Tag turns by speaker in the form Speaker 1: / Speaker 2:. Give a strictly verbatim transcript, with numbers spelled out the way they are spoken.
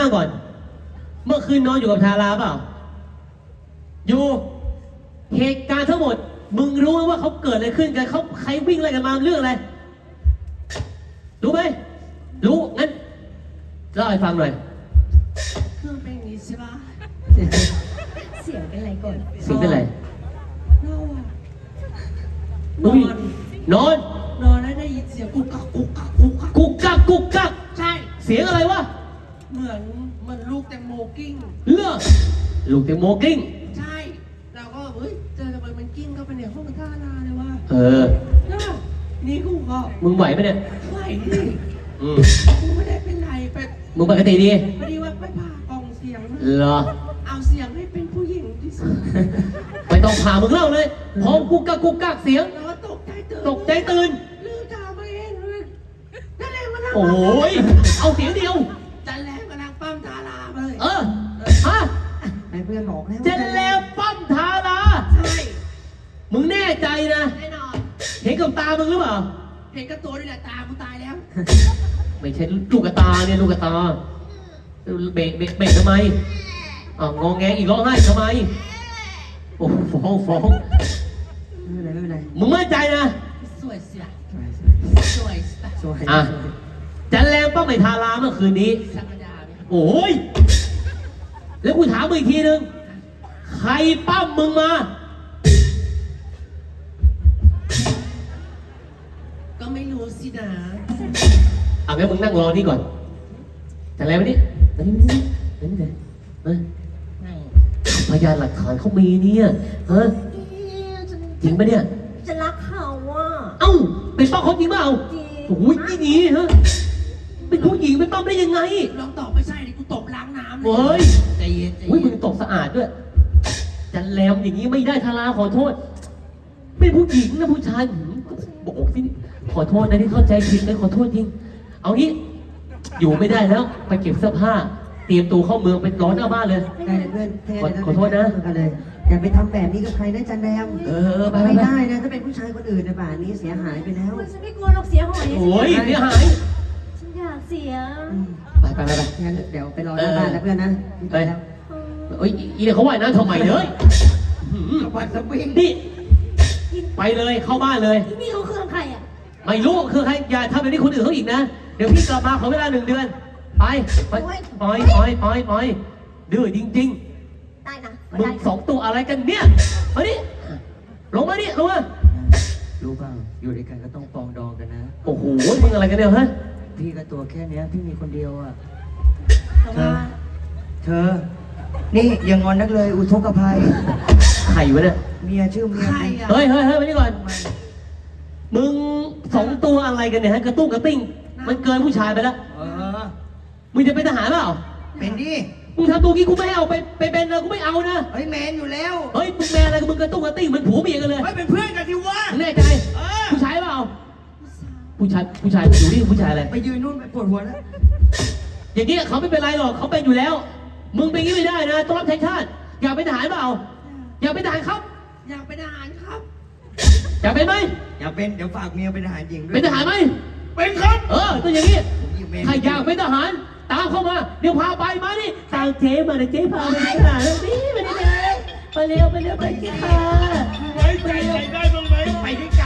Speaker 1: ก่อนเมื่อคืนนอนอยู่กับทาราเปล่าอยู่เหตุการณ์ทั้งหมดมึงรู้ไหมว่าเขาเกิดอะไรขึ้นกันเขาใครวิ่งอะไรกันมาเรื่องอะไรรู้ไหมรู้งั้นเล่าให้ฟังหน่อย
Speaker 2: เครื่องเป็นอย่างนี้ใช่ปะ
Speaker 3: เสียงเป็นไรก่อน
Speaker 1: เสียงเป็นไร
Speaker 2: เราอะนอน
Speaker 1: นอน
Speaker 2: นอนแล้วได้ยินเสียงกุกกักกุกกักกุกกัก
Speaker 1: กุกกักกุกกัก
Speaker 2: ใช่
Speaker 1: เสียงอะไรวะ
Speaker 2: เหมือนเหมือนลูกแตงโมกิ้ง
Speaker 1: เลือลูกแตงโมกิ้ง
Speaker 2: ใช่เราก็เฮ้ยเจอทำไมมันกิ้งเข้าไปในห้องท่านาเลยว่า
Speaker 1: เออ
Speaker 2: นี่กูก็
Speaker 1: มึงไหวไหมเนี่ย
Speaker 2: ไหวดิ
Speaker 1: อืม
Speaker 2: กูไม่ได้เป็นไรไป
Speaker 1: มึงปกติดี
Speaker 2: พอดีว่าไปผ่ากล่องเสียง
Speaker 1: เหรอ
Speaker 2: เอาเสียงให้เป็นผู้หญิงที่สุด
Speaker 1: ไม่ต้องผ่ามึงเล่าเลยพร้อมกุกกักกุกกักเสียง
Speaker 2: แล้วก็ตกใจตื่น
Speaker 1: ตกใจตื่น
Speaker 2: ลืมตามาเองเลยนั่นแหละมัน
Speaker 1: โอ้ยเอาเสียงเดียว
Speaker 2: จันแล้วกำลังปั้มทาราเลย
Speaker 1: เออฮะ
Speaker 3: ไอ้เพื่อนบอกแล้ว
Speaker 1: จันแล้วปั้มทารา
Speaker 2: ใช่
Speaker 1: มึงแน่ใจนะ
Speaker 2: แน่นอน
Speaker 1: เห็นกับตามึงหรือเปล่า
Speaker 2: เห็นกับตัวนี่แหละตากูตายแล้ว
Speaker 1: ไม่ใช่ลูกกระตาเนี่ยลูกกระตาเบรกเบรกเบรกทำไมอ่าวงอแงอีกร้องไห้ทำไมโอ้ฟ้องฟ้อง
Speaker 3: ไม่เป็นไรไม่เป็นไร
Speaker 1: มึงมั่นใจนะ
Speaker 2: สวยเสียสวย
Speaker 3: สวย
Speaker 1: อ่ะจันแรงป้าไม่ทาราเมื่อคืนนี้โอ้ยแล้วกูถามมึงอีกทีนึงใครปั้มมึงมา
Speaker 2: ก็ไม่รู้สินะ
Speaker 1: เอางั้นมึงนั่งรอนี่ก่อนจันแรงมาดิมาดิมาดิมาดิมาพยานหลักฐานเขามีเนี่ยฮะจริงปะเนี่ย
Speaker 3: จะรักเขาว่ะ
Speaker 1: เอ้าเป็นป้าเขาจริงเปล่า
Speaker 3: จริง
Speaker 1: โอ้ยนี่นี่ฮะเป็นผู้หญิงเป็นป้าได้ยังไง
Speaker 2: ลองตอบไม่ใช่ดิกูตบล้างน้ำ
Speaker 1: เฮ้ย
Speaker 2: ใจเย็นใจ
Speaker 1: เฮ้ยมึงตบสะอาดด้วยจันแรมอย่างนี้ไม่ได้ทาราขอโทษเป็นผู้หญิงนะผู้ชายบอกสิขอโทษนะที่เข้าใจผิดเลยขอโทษจริงเอางี้อยู่ไม่ได้แล้วไปเก็บเสื้อผ้าเตรียมตัวเข้าเมืองไปร้อนหน้าบ้านเลย
Speaker 3: ได้เพื่อน
Speaker 1: ขอโทษนะ
Speaker 3: เลยอย่าไปทำแบบนี้กับใครนะจันแรม
Speaker 1: เออ
Speaker 3: ไม่ได้นะถ้าเป็นผู้ชายคนอื่นในป่านนี้เสียหายไปแล้ว
Speaker 4: ฉันไม่กลัวหรอกเสียหาย
Speaker 1: โอ้ยเสียหาย
Speaker 4: ฉันอยากเสีย
Speaker 1: ไปไปไป
Speaker 3: งั้นเดี๋ยวไปรอหน้าบ้านนะเพื่อนนะ
Speaker 1: ไปเอ้ยอีเนี่ยเขาว่ายน้ำทำไมเลย
Speaker 2: วันสปริง
Speaker 1: นี่ไปเลยเข้าบ้านเลย
Speaker 4: นี่เขาเครื่องใครอ่ะ
Speaker 1: ไม่รู้คือใครอย่าทำแบบนี้คนอื่นเขาอีกนะเดี๋ยวพี่กลับมาขอเวลาหนึ่งเดือนไปไปปล่อยปล่อยปล่อยปล่อยดื้อจริง
Speaker 4: ๆได้นะ
Speaker 1: มึงสองตัวอะไรกันเนี่ยมาดิลงมาดิลงมา
Speaker 3: รู้เปล่าอยู่ด้วยกันก็ต้องปองดองกันนะ
Speaker 1: โอ้โหมึงอะไรกันเนี่ยฮะ
Speaker 3: พี่ก็ตัวแค่นี้พี่มีคนเดียวอ่ะ
Speaker 4: เธอ
Speaker 3: เธอนี่ยังงอนนักเลยอุทกภัย
Speaker 1: ใครวะเนี่ย
Speaker 3: เมียชื่อเมีย
Speaker 1: เฮ้ยเฮ้ยเฮ้ยมานี่ก่อนมึงสองตัวอะไรกันเนี่ยฮะกระตุ้งกระติ้งมันเกินผู้ชายไปแล้ว
Speaker 3: เออ
Speaker 1: มึงจะเป็นทหารเปล่า
Speaker 3: เป็นดิ
Speaker 1: มึงทำตัวกี้กูไม่ให้เอาไปไปเป็นเลยกูไม่เอานะ
Speaker 3: เฮ้ยแมนอยู่แล้ว
Speaker 1: เฮ้ยมึงแมนอะไรกับมึงกระตุ้งกระติ้งมันผัวเมียกันเลย
Speaker 3: เฮ้ยเป็นเพื่อนกันสิวะ
Speaker 1: แน่ใจผู้ชายเปล่าผู้ชายผู้ชายอยู่นี่ผู้ชายอะไร
Speaker 3: ไปยืนนู่นไปปวดหัวแล้ว
Speaker 1: อย่างนี้เขาไม่เป็นไรหรอกเขาเป็นอยู่แล้วมึงเป็นงี้ไม่ได้นะต้องรับใช้ชาติอยากเป็นทหารเปล่าอยากเป็นทหารครับ
Speaker 2: อยากเป็นทหารครับ
Speaker 1: อยากเป็นไหม
Speaker 3: อยากเป็นเดี๋ยวฝากเมียเป็นทหารหญิงด้วย
Speaker 1: เป็นทหารไหม
Speaker 3: เป็นครับ
Speaker 1: เออต้องอย่างนี้ใครอยากเป็นทหารตามเข้ามาเดี๋ยวพาไปมาดิตามเจ๊มาเดี๋ยวเจ๊พาไปเป็นทหารนี่มาดิเลยไปเร็วไปเร็วไปเจ๊ค่ะ
Speaker 2: ไว้ใจใครได้บ้างไหมไปด้วย